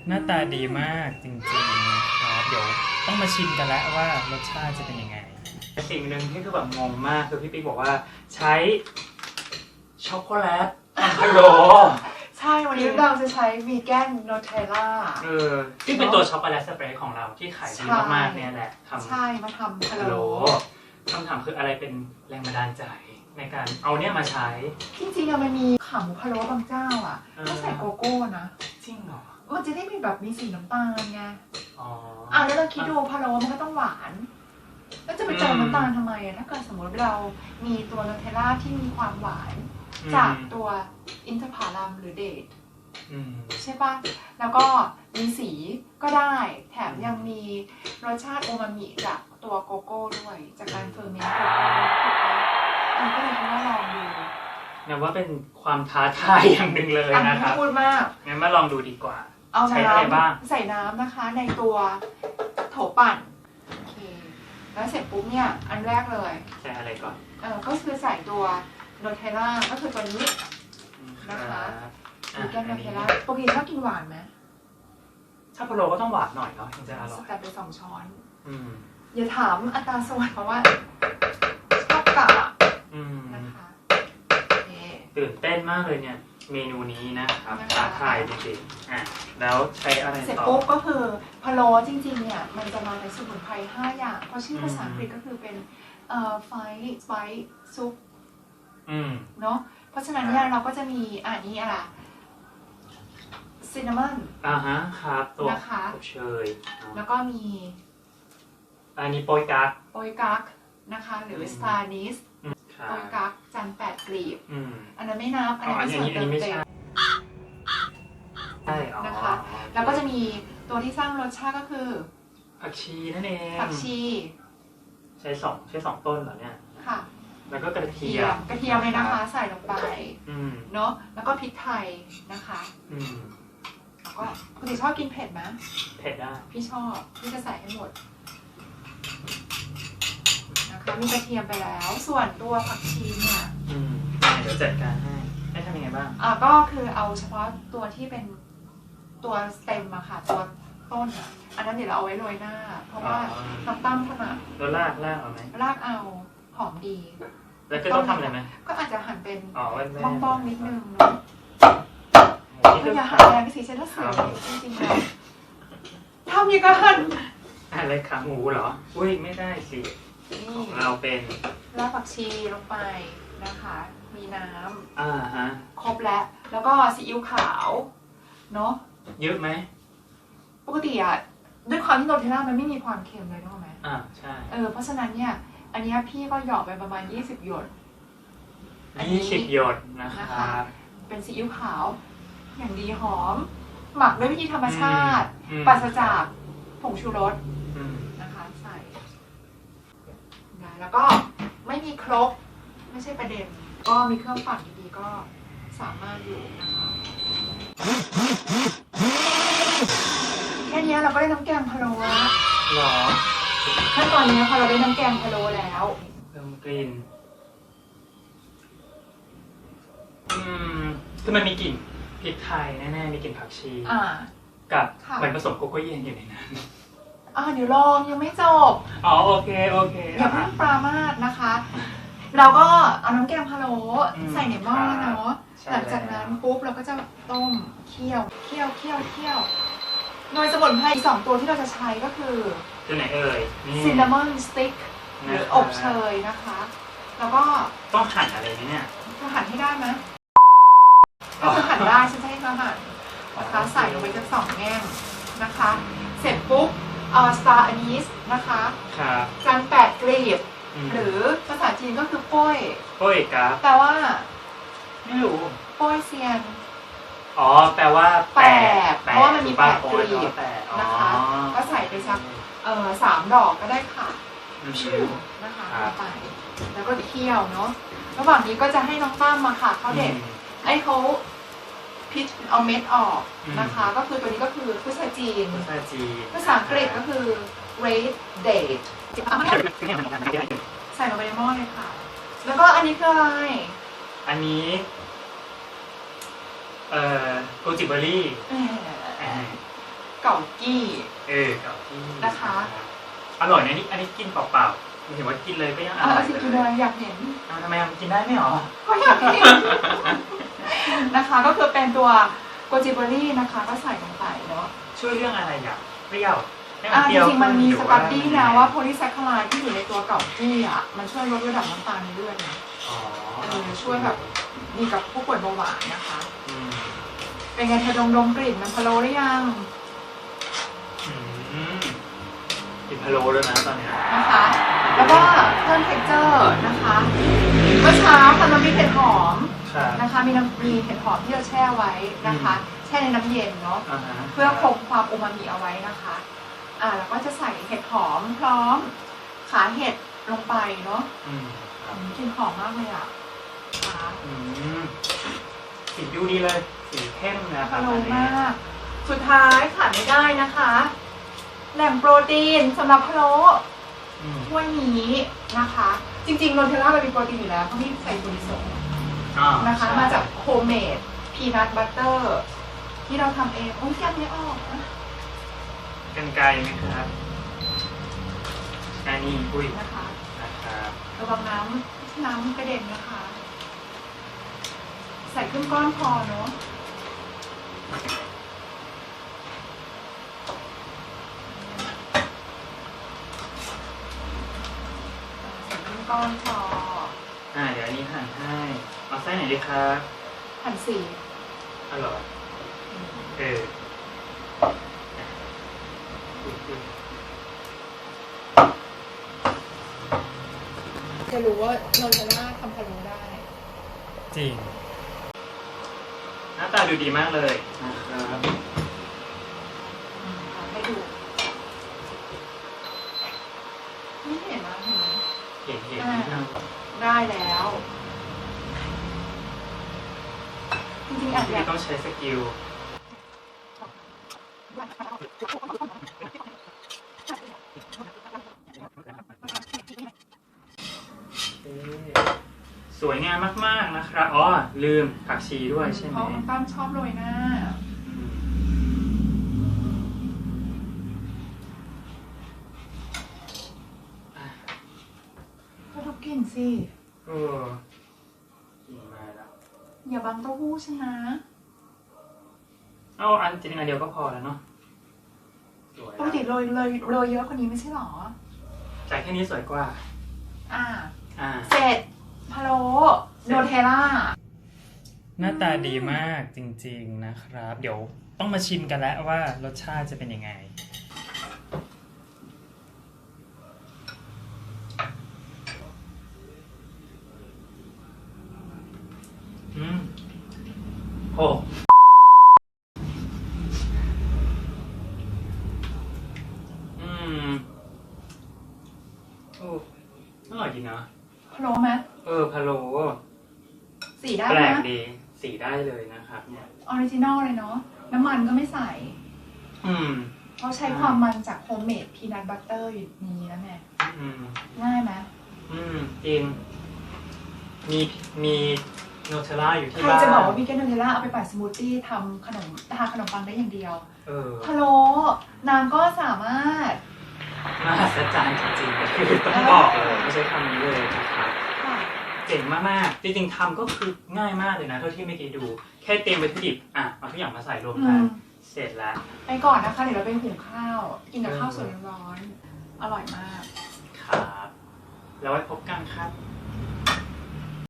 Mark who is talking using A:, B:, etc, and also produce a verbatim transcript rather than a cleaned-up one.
A: หน้าตาดีมากจริงๆครับเดี๋ยวต้องมาชิมกันแล้วว่ารสชาติจะเป็นยังไงสิ่งหนึ่งที่คือแบบงงมากคือพี่ปิ๊กบอกว่าใช้ช็อกโกแลตทำพะโล้
B: ใช่วันนี้เราจะใช้วีแกนโนเทลล่า
A: เออที่เป็นตัวช็อกโกแลตสเปรย์ของเราที่ขายดีมากๆเนี่ยแหละทำ
B: ใช่มาทำพะ
A: พะโล้
B: โล้
A: คำถามคืออะไรเป็นแรงบันดาลใจในการเอาเนี่ยมาใช้
B: จริงๆอะมันมีขาหมูพะโล้บางเจ้าอ่ะต้องใส่โกโก้นะ
A: จริงเหรอ
B: มันจะได้มีแบบมีสีน้ำตาลไง
A: อ๋อ
B: อ่ะแล้วเราคิดดูพะโล้มันก็ต้องหวานแล้วจะไปเติมน้ำตาลทำไมอะถ้าเกิดสมมติเรามีตัวโนเทลล่าที่มีความหวานจากตัวอินทผลัมหรือเดทใช่ปะแล้วก็มีสีก็ได้แถมยังมีรสชาติโอมามิจากตัวโกโก้ด้วยจากการเฟอร์เมนต์โกโก้อันก็เลยคิดว่าลองดู
A: นับว่าเป็นความท้าทายอย่างหนึ่งเลยนะครับ
B: พูดมาก
A: งั้นมาลองดูดีกว่า
B: เอาน้ำใส่น้ำนะคะในตัวโถปั่นโอเคแล้วเสร็จปุ๊บเนี่ยอันแรกเลย
A: ใส่อะไรก่อน
B: เออก็คือใส่ตัวโนเทลล่าก็คือตัวนี้นะคะมีแก้มโนเทลล่าปกติชอบกินหวานไหม
A: ถ้าพะโล้ก็ต้องหวานหน่อยเนาะถึงจะอร่อย
B: แต่ไปสองช้อน
A: อืม
B: อย่าถามอัตราส่วนเพราะว่าชอบกะนะคะ
A: ตื่นเต้นมากเลยเนี่ยเมนูนี้นะครับท้าทายจริงๆอ่ะแล้วใช้อะไรต่อ
B: เสร็จปุ๊บก็คือพะโล้จริงๆเนี่ยมันจะมาในสมุนไพรห้าอย่างเพราะชื่อภาษาอังกฤษก็คือเป็นเอ่อไฟสไปซ์ซุปเนาะเพราะฉะนั้นเนี่ยเราก็จะมีอ่านี้อะไรซินนามอน
A: อ่าฮะครับตัว
B: นะคะ
A: เชย
B: แล้วก็มี
A: อันนี้โปยกั๊ก
B: โปยกั๊กนะคะหรือสตาร์นิสโปยกั๊กจันแปดกลีบอันนั้นไม่นับอันนั้นส่วนเติมเต็มนะคะแล้วก็จะมีตัวที่สร้างรสชาติก็คือ
A: ผักชีนั่นเอง
B: ผักชี
A: ใช้สองใช้สองต้นเหรอเนี่ย
B: ค่ะ
A: แล้วก็กระเทียม
B: กระเทียมเลยนะคะใส่ลงไปเนาะแล้วก็พริกไทยนะคะแล้วก็ปกติชอบกินเผ็ดไหม
A: เผ็ดได้
B: พี่ชอบพี่จะใส่ให้หมดนะคะมีกระเทียมไปแล้วส่วนตัวผักชีเนี่ย
A: อืมเดี๋ยวจัดการให้ให้ทำยังไงบ้าง
B: อ่าก็คือเอาเฉพาะตัวที่เป็นตัวสเต็มอะค่ะตัวต้นอะอันนั้นเดี๋ยวเราเอาไว้โรยหน้าเพราะว่าน้ำตั้มถนัด
A: แล้วรากรากเอาไหม
B: รากเอาหอมดี
A: แล้วก็ต้องทำอะไรไหม
B: ก็อาจจะหั่นเป็น
A: บ้
B: องๆนิดนึงก็อย่าหั่นแรงสิฉันถ้าเสียจริงๆแล้วทำยังไงหั่น
A: อะไรขาหมูเหรออุ้ยไม่ได้สิของเราเป็น
B: รากผักชีลงไปนะคะมีน้
A: ำอ่าฮะ
B: ครบแล้วแล้วก็ซีอิ๊วขาวเนาะ
A: เยอะไหม
B: ปกติอะด้วยความที่โนเทลล่ามันไม่มีความเค็มเลยถูกไหม
A: อ่าใช่
B: เออเพราะฉะนั้นเนี่ยอันนี้พี่ก็หยอกไปประมาณยี่สิบหยด
A: ยี่สิบหยดนะครับ
B: เป็นซีอิ๊วขาวอย่างดีหอมหมักด้วยวิธีธรรมชาติปราศจากผงชูรสนะคะใส่แล้วก็ไม่มีครกไม่ใช่ประเด็นก็มีเครื่องปั่นดีๆก็สามารถอยู่นะคะแค่นี้เราก็ได้น้ำแกงพะโล้แล้ว
A: หรอ
B: ขั้นตอนนี้พอเราได้น้ำแกงพะโล้แล้ว
A: เพิ่มกลิ่นอืมคือมันมีกลิ่นพริกไทยแน่ๆมีกลิ่นผักชีกับเหมือนผสมโกโก้เย็นอยู่ในนั้น
B: อ่าเดี๋ยวลองยังไม่จบ
A: อ๋อโอเคโอเค
B: อย่าเพิ่งปรามาสนะคะเราก็เอาน้ำแกงพะโล้ใส่ในหม้อเนาะหลังจากนั้นปุ๊บเราก็จะต้มเคี่ยวเคี่ยวเคี่ยวเคี่ยวโดยสมุนไพรสองตัวที่เราจะใช้ก็คือ
A: ตัวไหนเอ่ย
B: ซินนามอนสติ๊กหรืออบเชยนะคะแล้วก็
A: ต้องหั่นอะไรเนี่ย
B: จะหั่นให้ได้ไหมก็จะหั่นได้ฉันจะให้เธอหั่นนะคะใส่ลงไปทั้งสองแง่งนะคะเสร็จปุ๊บเอาสตาร์อันนี้นะคะจันแปดกลีบหรือภาษาจีนก็คือป้ย
A: ป้ยกะ
B: แปลว่า
A: ไม่รู้
B: ป้ยเซียน
A: อ๋อแปลว่า
B: แปดเพราะว่ามันมีแปดกลีบนะคะก็ใส่ไปสักเอ่อสามดอกก็ได้ค่ะนะคะไปแล้วก็เคี่ยวเนาะระหว่างนี้ก็จะให้น้องตั้มมาค่ะเขาเด็ดไอ้เขาพิชเอาเม็ดออกนะคะก็คือตัวนี้ก็คือภาษาจีนภาษาอังกฤษก็คือ red date ใส่ลงไปในหม้อเลยค่ะแล้วก็อันนี้คืออะไร
A: อันนี้เอ่อโกจิเบอรี่
B: เก่ากี้
A: เออเก่าที่
B: นะคะ
A: อร่อยนะนี่อันนี้กินเปล่าๆไม่เห็นว่ากินเลยก็ยังอ
B: อ่ะ
A: ร่อย
B: สิกินเลยอยากเห็น
A: อ้าวทำไมมันกินได้ไม่หรอ
B: ก็อยากเห็น นะคะก็คือเป็นตัวโกจิเบอรี่นะคะ ก็ใส่ลงไปเนาะ
A: ช่วยเรื่องอะไรอย่างเปรี้ยวให้
B: อ่ะ
A: เป
B: จ
A: รี้ยว
B: ริงๆมันมี
A: ขึ้
B: ส
A: หรือ
B: ตัดดี้นะว่า
A: ไง
B: โพลีแซคคาไลด์ที่อยู่ในตัวเก่ากี้อ่ะมันช่วยลดระดับน้ำตาลในเลือดนะ
A: อ๋อ
B: เออช่วยแบบดีกับผู้ป่วยเบาหวานนะคะ
A: อืม
B: เป็นไงเธอดมดมกลิ่นมันพะโล้หรือยัง
A: อืมกินพะโล้ด้วยนะตอนเนี้ย
B: นะคะ แล้วก็เพิ่มเท็กเจอร์นะคะเมื่อเช้าทำน้ำพริกเห็ดหอม
A: ครับ
B: นะคะ มีน้ำมีเห็ดหอมที่เราแช่ไว้นะคะ แช่ในน้ำเย็นเนาะ
A: อ่าฮะ
B: เพื่อคงความอูมามิเอาไว้นะคะ อ่าแล้วก็จะใส่เห็ดหอมพร้อมขาเห็ดลงไปเนาะ
A: อืมครับ
B: อืมกลิ่นหอมมากเลยอ่ะขา
A: อืมสีดูดีเลยสีเข้มนะครั
B: พะ
A: บ
B: โล้
A: อันนี้
B: มาก สุดท้ายขาดไม่ได้นะคะ แหล่งโปรตีนสำหรับพะโล้
A: อืม
B: ถ้วยนี้นะคะ จริงๆโนเทลล่ามันมีโปรตีนอยู่แล้วเพราะนี่ใส่โปรตีนสูง
A: อ่า
B: นะคะ
A: ใช่
B: มาจากโฮมเมดพีนัทบัตเตอร์ที่เราทำเองโอ้ยแกะไม่ออกนะ
A: กันไกลไหมครับอันนี้อุ้ย
B: นะคะ
A: นะครับ
B: ระวังน้ำน้ำกระเด็นนะคะ ใส่ครึ่งก้อนพอเนาะใส่ครึ่งก้อนพอ
A: อ่าเดี๋ยวอันนี้หั่นให้เอาไส้ไหนดีครับ
B: หั่นสี
A: อร่อยเอออ่ะอุ๊ยอุ๊ย
B: จะรู้ว่าโนเทลล่าทำพะโล้ได้
A: จริงหน้าตาดูดีมากเลยนะครับ
B: อืมเอาให้ดูไม่เห็นนะเห็นไหม
A: เห็นเห็นนิดนึง
B: ได้แล้ว จริงๆอาจ
A: ที่
B: จะ
A: ต้องใช้สกิลเอ๊ะสวยงามมากๆนะครับอ๋อลืมผักชีด้วยใช่ไห
B: เพ
A: ม
B: ราะคุณตั้มชอบโรยหน้า
A: อืม
B: ก็ทุกกลิ่นสิ
A: เออกินมาแล้ว
B: อย่าบังเต้าหู้ฉันนะ
A: เอาอันจริงๆอันเดียวก็พอแล้วเนาะสวย
B: ปกติโรยเลยโรยเยอะกว่านี้ไม่ใช่หรอ
A: จากแค่นี้สวยกว่า
B: อ่า
A: อ่า
B: เสร็จพะโล้โนเทลล่า
A: หน้าตาดีมากจริงๆนะครับ เดี๋ยวต้องมาชิมกันแล้วว่ารสชาติจะเป็นยังไง อืมโอ้อืมโอ้อร่อยจริงนะ
B: พะโล้ไหม
A: เออพะโล้
B: สีได้
A: แปล
B: ไหม
A: กดีสีได้เลยนะครับเนี่ย
B: ออริจินอลเลยเนาะ น้ำมันก็ไม่ใส่
A: อืม
B: เขาใช้ความมันจากโฮมเมดพีนัทบัตเตอร์อยู่ในนี้นะแม่
A: อืม
B: ง่ายไหม
A: อืมจริง มีมีโนเทลล่าอยู่ที่
B: ใคร
A: บ้าน
B: จะบอกว่าวิกเกนโนเทลล่าเอาไปปั่นสมูทตี้ทำขนมทาขนมปังได้อย่างเดียว
A: เออ
B: พะโล้นางก็สามารถ
A: มหัศจรรย์จริงๆคือต้องบอกเลยไม่ใช่คำนี้เลยนะครับ
B: ค่ะ
A: เจ๋งมากๆ จริงๆทำก็คือง่ายมากเลยนะเท่าที่เมื่อกี้ดู แค่เตรียมวัตถุดิบอ่ะเอาทุกอย่างมาใส่รวม
B: อื
A: กัน
B: ม
A: เสร็จแล้ว
B: ไปก่อนนะคะ เดี๋ยวเราไปหุงข้าว กินกับข้าวสวยร้อนๆอร่อยมาก
A: ครับ แล้วไว้พบกันครับ
B: ค